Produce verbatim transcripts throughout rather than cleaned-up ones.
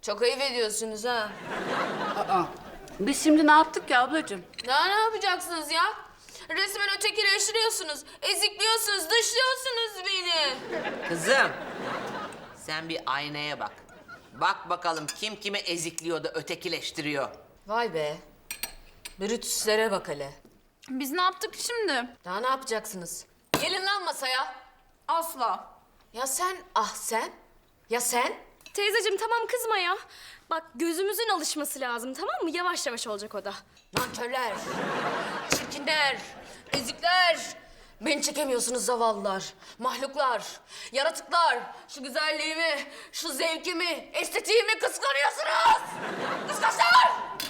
Çok ayıp ediyorsunuz ha. Aa, biz şimdi ne yaptık ki ablacığım? Daha ne yapacaksınız ya? Resmen ötekileştiriyorsunuz, ezikliyorsunuz, dışlıyorsunuz beni. Kızım, sen bir aynaya bak. Bak bakalım kim kimi ezikliyor da ötekileştiriyor. Vay be. Brütüslere bak hele. Biz ne yaptık şimdi? Daha ne yapacaksınız? Gelin lan masaya. Asla. Ya sen, ah sen? Ya sen? Teyzeciğim tamam kızma ya. Bak gözümüzün alışması lazım tamam mı? Yavaş yavaş olacak o da. Nankörler, çirkinler, ezikler. Beni çekemiyorsunuz zavallılar, mahluklar, yaratıklar. Şu güzelliğimi, şu zevkimi, estetiğimi kıskanıyorsunuz. Kıskançlar!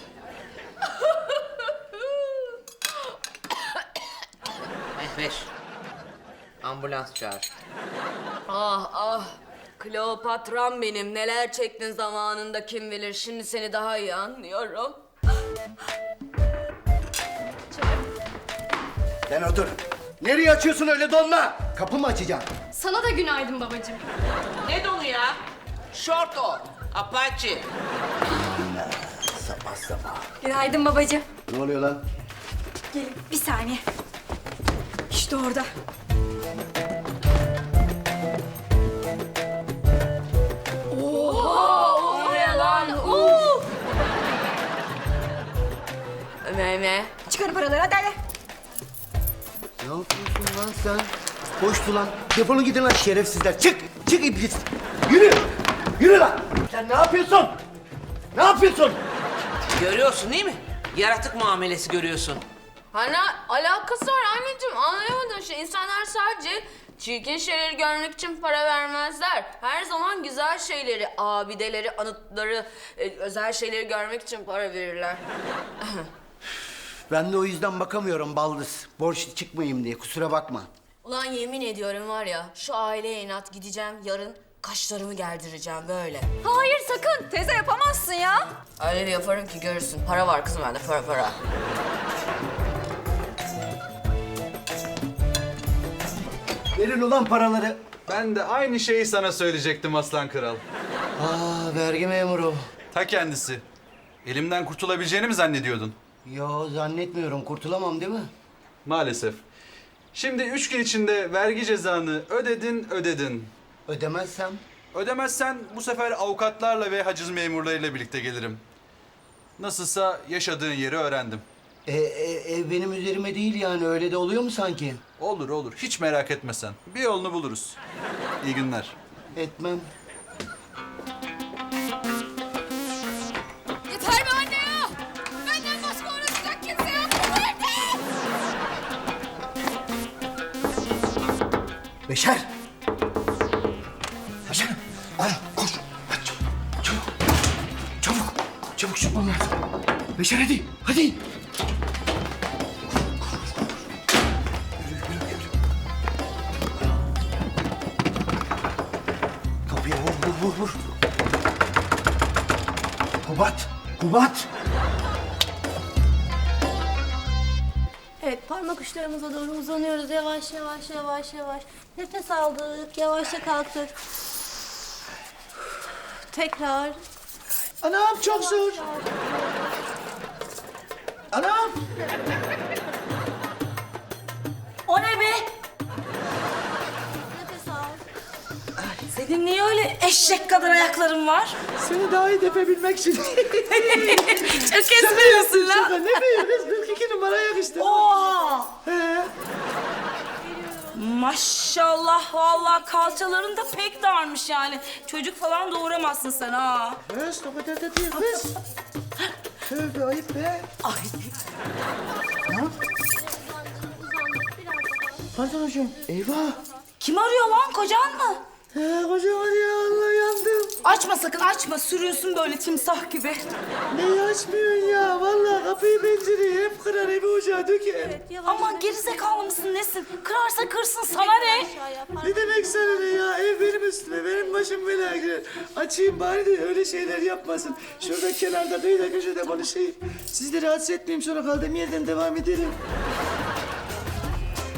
Mehveş, ambulans çağır. Ah ah, Kleopatram benim. Neler çektin zamanında kim bilir. Şimdi seni daha iyi anlıyorum. Sen otur. Nereye açıyorsun öyle donla? Kapı mı açacaksın? Sana da günaydın babacığım. Ne donu ya? Şort o, Apache. Sabah sabah. Günaydın babacığım. Ne oluyor lan? Gelin bir saniye. İşte orada. O ne lan? Oo! Meme. Çıkarın paraları hadi hadi. Ne yapıyorsun lan sen? Hoştu lan. Defolun gidin lan şerefsizler. Çık! Çık iblis! Yürü! Yürü lan! Sen ne yapıyorsun? Ne yapıyorsun? Görüyorsun değil mi? Yaratık muamelesi görüyorsun. Hani alakası var anneciğim, anlayamadın şey. İnsanlar sadece çirkin şeyleri görmek için para vermezler. Her zaman güzel şeyleri, abideleri, anıtları, e, özel şeyleri görmek için para verirler. Ben de o yüzden bakamıyorum baldız. Borçlu çıkmayayım diye kusura bakma. Ulan yemin ediyorum var ya, şu aileye inat gideceğim, yarın kaşlarımı gerdireceğim böyle. Hayır sakın. Teyze yapamazsın ya. Öyle bir yaparım ki görürsün. Para var kızım bende, para para. Verin ulan paraları. Ben de aynı şeyi sana söyleyecektim Aslan Kral. Aa vergi memuru. Ta kendisi. Elimden kurtulabileceğini mi zannediyordun? Yo zannetmiyorum kurtulamam değil mi? Maalesef. Şimdi üç gün içinde vergi cezanı ödedin ödedin. Ödemezsem? Ödemezsen bu sefer avukatlarla ve haciz memurlarıyla birlikte gelirim. Nasılsa yaşadığın yeri öğrendim. E, e, ev benim üzerime değil yani öyle de oluyor mu sanki? Olur olur, hiç merak etme sen. Bir yolunu buluruz. İyi günler. Etmem. Yeter be anne ya. Benden başka uğraşacak kimse yok. Yeter. Beşer! Beşer! Al koş! Hadi çabuk! Çabuk! Çabuk! Çabuk çıkmam lazım. Beşer hadi! Hadi! Yürü, yürü, yürü. Kapıya vur, vur, vur, vur. Kubat! Kubat! Evet, parmak uçlarımıza doğru uzanıyoruz. Yavaş yavaş yavaş yavaş. Nefes aldık, yavaşça kalktık. Tekrar. Anam çok zor! Anam! O ne be? Nefes al. Senin niye öyle eşek kadar ayakların var? Seni daha iyi tepebilmek için. Çok esmiyorsun lan. Şaka ne be? kırk iki numara yakıştı. Oha! He. Maşallah vallahi kalçaların da pek darmış yani. Çocuk falan doğuramazsın sen ha. Kız o kadar da değil kız. Tövbe ayıp be. Ay. Pantoloncuğum eyvah. Kim arıyor lan kocan mı? He kocaman ya Allah yandım. Açma sakın açma sürüyorsun böyle timsah gibi. Neyi açmıyorsun ya? Vallahi kapıyı pencereyi hep kırar evi ocağa döker. Aman gerizekalı mısın nesin? Kırarsa kırsın sana ne? Ne demek sana ne ya? Ev benim üstüme, benim başım belaya girer. Açayım bari de öyle şeyler yapmasın. Şurada kenarda kıyıda köşede konuşayım. Sizi de rahatsız etmeyeyim sonra kaldığım yerden devam edelim.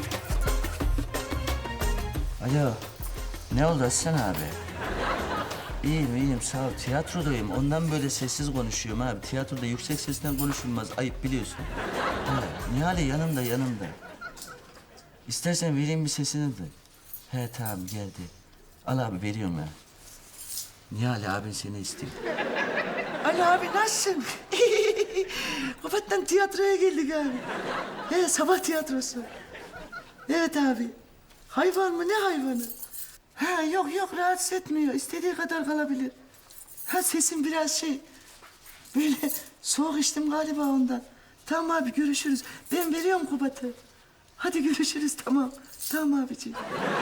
Alo. Ne oldu Aslan abi? İyiyim iyiyim sağ ol. Tiyatrodayım. Ondan böyle sessiz konuşuyorum abi. Tiyatroda yüksek sesten konuşulmaz. Ayıp biliyorsun. Ha, Nihale yanımda yanımda. İstersen vereyim bir sesini de. He tamam geldi. Al abi veriyorum ya. Nihale abin seni istiyor. Ali abi nasılsın? Kapattan tiyatroya geldik abi. He sabah tiyatrosu. Evet abi. Hayvan mı ne hayvanı? Ha yok yok rahatsız etmiyor. İstediği kadar kalabilir. Ha sesim biraz şey. Böyle soğuk içtim galiba ondan. Tamam abi görüşürüz. Ben veriyorum Kubat'ı. Hadi görüşürüz tamam. Tamam abiciğim.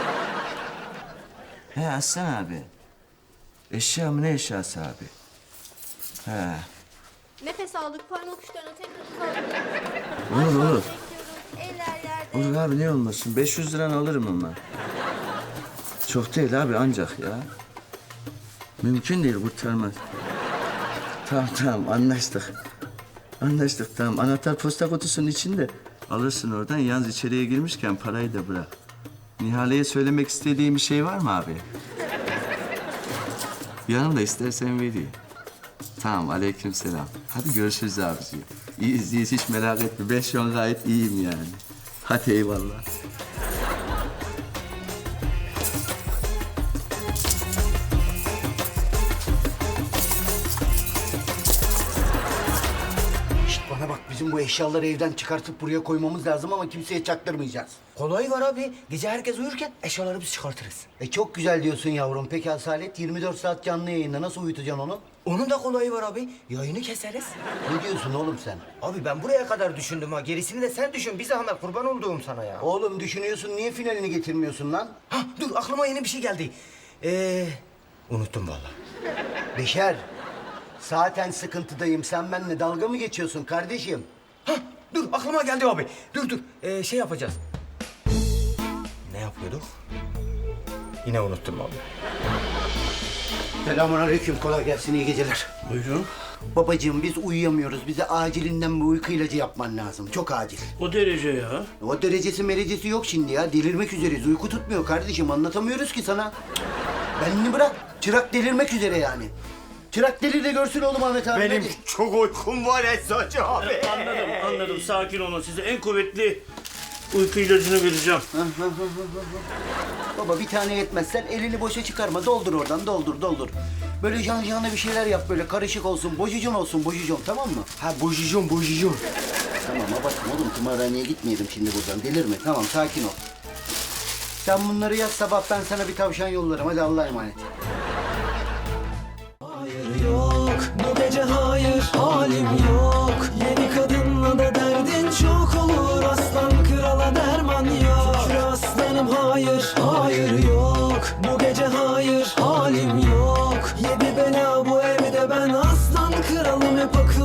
He Aslan abi. Eşya mı ne eşyası abi? He. Nefes aldık, parmak uçlarına tekrar uzandık. Olur olur. Bekliyoruz, eller yerde. Olur abi ne olmasın. beş yüz liranı alırım ama. Çok değil abi ancak ya. Mümkün değil kurtarmaz. Tamam tamam anlaştık. Anlaştık tamam. Anahtar posta kutusunun içinde. Alırsın oradan. Yalnız içeriye girmişken parayı da bırak. Nihale'ye söylemek istediğin bir şey var mı abi? Yanımda istersen vereyim. Tamam aleykümselam. Hadi görüşürüz abiciğim. İyiyiz iyiyiz hiç merak etme. Ben şu an gayet iyiyim yani. Hadi eyvallah. Şişt bana bak bizim bu eşyaları evden çıkartıp buraya koymamız lazım ama kimseye çaktırmayacağız. Kolay var abi. Gece herkes uyurken eşyaları biz çıkartırız. E çok güzel diyorsun yavrum. Peki Asalet yirmi dört saat canlı yayında nasıl uyutacaksın onu? Onun da kolayı var abi. Yayını keseriz. Ne diyorsun oğlum sen? Abi ben buraya kadar düşündüm ha. Gerisini de sen düşün. Bir zahmet kurban olduğum sana ya. Oğlum düşünüyorsun niye finalini getirmiyorsun lan? Ha dur aklıma yeni bir şey geldi. Ee, unuttum vallahi. Beşer. Zaten sıkıntıdayım. Sen benimle dalga mı geçiyorsun kardeşim? Ha dur aklıma geldi abi. Dur dur. Ee, şey yapacağız. Ne yapıyorduk? Yine unuttum abi. Selamünaleyküm. Kolay gelsin. İyi geceler. Buyurun. Babacığım biz uyuyamıyoruz. Bize acilinden bir uyku ilacı yapman lazım. Çok acil. O derece ya. O derecesi merecesi yok şimdi ya. Delirmek üzereyiz. Uyku tutmuyor kardeşim. Anlatamıyoruz ki sana. Benini bırak. Çırak delirmek üzere yani. Çırak delir de görsün oğlum Ahmet abi. Benim hadi. çok uykum var Esra'cı abi. Anladım, anladım. Sakin olun. Size en kuvvetli uyku ilacını vereceğim. Baba bir tane yetmezsen elini boşa çıkarma. Doldur oradan. Doldur doldur. Böyle yan yana bir şeyler yap böyle. Karışık olsun. Bojucon olsun. Bojucon tamam mı? Ha bojucon bojucon. Tamam abartma oğlum. Tımarhaneye gitmeyelim şimdi buradan. Delirme. Tamam sakin ol. Sen bunları yaz sabah ben sana bir tavşan yollarım. Hadi Allah'a emanet. Yok bu gece hayır halim yok. Yeni kadınla da derdin çok olur. Aslan krala derman yok. Şükür aslanım hayır hayır yok. Bu gece hayır halim yok. Yedi bela bu evde ben aslan kralım hep akıyor.